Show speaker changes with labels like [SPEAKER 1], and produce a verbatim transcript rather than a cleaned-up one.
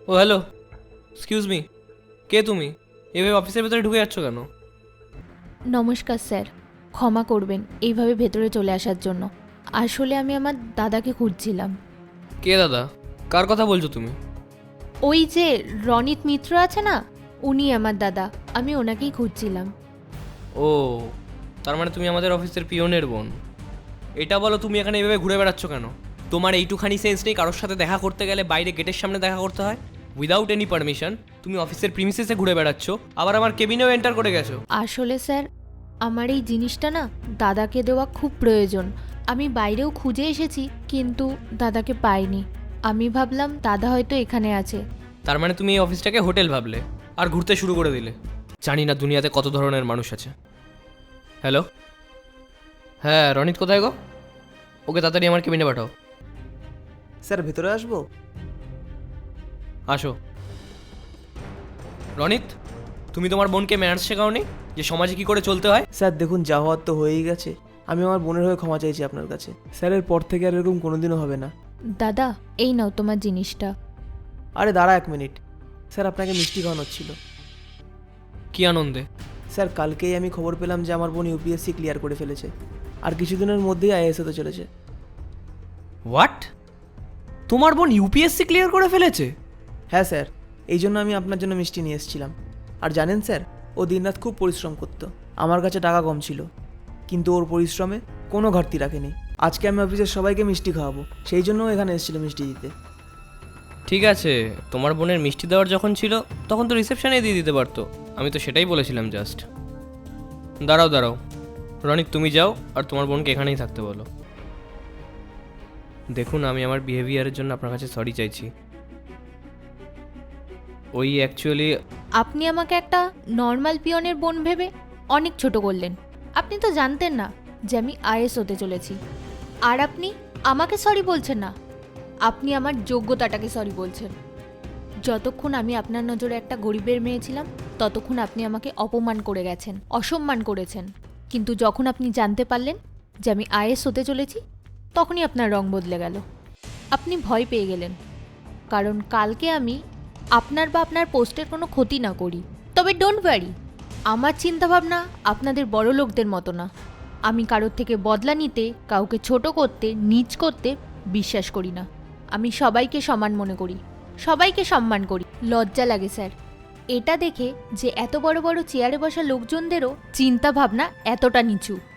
[SPEAKER 1] ও hello, excuse me, কে তুমি? এভাবে অফিসের ভেতরে ঢুকে যাচ্ছ কেন?
[SPEAKER 2] নমস্কার স্যার, ক্ষমা করবেন এইভাবে ভেতরে চলে আসার জন্য। আসলে আমি আমার দাদাকে খুঁজছিলাম।
[SPEAKER 1] কে দাদা? কার কথা বলছো তুমি?
[SPEAKER 2] ওই যে রনিত মিত্র আছে না, উনি আমার দাদা। আমি ওনাকেই খুঁজছিলাম।
[SPEAKER 1] ও, তার মানে তুমি আমাদের অফিসের পিয়নের বোন। এটা বলো, তুমি এখানে এভাবে ঘুরে বেড়াচ্ছ কেন? তোমার এইটুখানি সেন্স নেই কারোর সাথে দেখা করতে গেলে বাইরে গেটের সামনে দেখা করতে হয় উইদাউট এনি পারমিশন? তুমি অফিসের প্রিমিসেসে ঘুরে বেড়াচ্ছ, আবার আমার কেবিনেও এন্টার করে গেছো।
[SPEAKER 2] আসলে স্যার, আমার এই জিনিসটা না দাদাকে দেওয়া খুব প্রয়োজন। আমি বাইরেও খুঁজে এসেছি, কিন্তু দাদাকে পাইনি। আমি ভাবলাম দাদা হয়তো এখানে আছে।
[SPEAKER 1] তার মানে তুমি এই অফিসটাকে হোটেল ভাবলে আর ঘুরতে শুরু করে দিলে। জানি না দুনিয়াতে কত ধরনের মানুষ আছে। হ্যালো, হ্যাঁ রনিত কোথায় গো? ওকে তাড়াতাড়ি আমার কেবিনে পাঠাও।
[SPEAKER 3] স্যার ভেতরে আসবো?
[SPEAKER 1] আসো। রনিত, তুমি তোমার বোনকে ম্যানার্স শেখাওনি যে সমাজে কি করে চলতে হয়?
[SPEAKER 3] স্যার দেখুন, যা হওয়ার তো হয়েই গেছে। আমি আমার বোনের হয়ে ক্ষমা চাইছি আপনার কাছে। স্যারের পর থেকে আর এরকম কোনোদিনও হবে না।
[SPEAKER 2] দাদা, এই নাও তোমার জিনিসটা।
[SPEAKER 3] আরে দাঁড়া এক মিনিট, স্যার আপনাকে মিষ্টি খাওয়ানো ছিল।
[SPEAKER 1] কি আনন্দে?
[SPEAKER 3] স্যার কালকেই আমি খবর পেলাম যে আমার বোন ইউপিএসসি ক্লিয়ার করে ফেলেছে, আর কিছুদিনের মধ্যেই আইএএস হতে চলেছে।
[SPEAKER 1] হোয়াট? তোমার বোন ইউপিএসসি ক্লিয়ার করে ফেলেছে?
[SPEAKER 3] হ্যাঁ স্যার, এই জন্য আমি আপনার জন্য মিষ্টি নিয়ে এসেছিলাম। আর জানেন স্যার, ও দিনরাত খুব পরিশ্রম করতো। আমার কাছে টাকা কম ছিল, কিন্তু ওর পরিশ্রমে কোনো ঘাটতি রাখেনি। আজকে আমি অফিসের সবাইকে মিষ্টি খাওয়াবো, সেই জন্য ও এখানে এসেছিল মিষ্টি দিতে।
[SPEAKER 1] ঠিক আছে, তোমার বোনের মিষ্টি দেওয়ার যখন ছিল তখন তো রিসেপশনে দিয়ে দিতে পারতো। আমি তো সেটাই বলেছিলাম জাস্ট। দাঁড়াও দাঁড়াও, রনিক তুমি যাও আর তোমার বোনকে এখানেই থাকতে বলো। দেখুন, আমি আমার বিহেভিয়ারের জন্য আপনার কাছে সরি চাইছি। ওই অ্যাকচুয়ালি
[SPEAKER 2] আপনি আমাকে একটা নর্মাল পিয়নের বোন ভেবে অনেক ছোট করলেন। আপনি তো জানতেন না যে আমি আইএস হতে চলেছি। আর আপনি আমাকে সরি বলছেন না, আপনি আমার যোগ্যতাটাকে সরি বলছেন। যতক্ষণ আমি আপনার নজরে একটা গরিবের মেয়ে ছিলাম, ততক্ষণ আপনি আমাকে অপমান করে গেছেন, অসম্মান করেছেন। কিন্তু যখন আপনি জানতে পারলেন যে আমি আইএস হতে চলেছি, তখনই আপনার রং বদলে গেল। আপনি ভয় পেয়ে গেলেন, কারণ কালকে আমি আপনার বা আপনার পোস্টের কোনো ক্ষতি না করি। তবে ডোন্ট ওয়ারি, আমার চিন্তাভাবনা আপনাদের বড় লোকদের মতো না। আমি কারোর থেকে বদলা নিতে, কাউকে ছোট করতে, নীচ করতে বিশ্বাস করি না। আমি সবাইকে সমান মনে করি, সবাইকে সম্মান করি। লজ্জা লাগে স্যার এটা দেখে যে এত বড় বড় চেয়ারে বসা লোকজনদেরও চিন্তাভাবনা এতটা নিচু।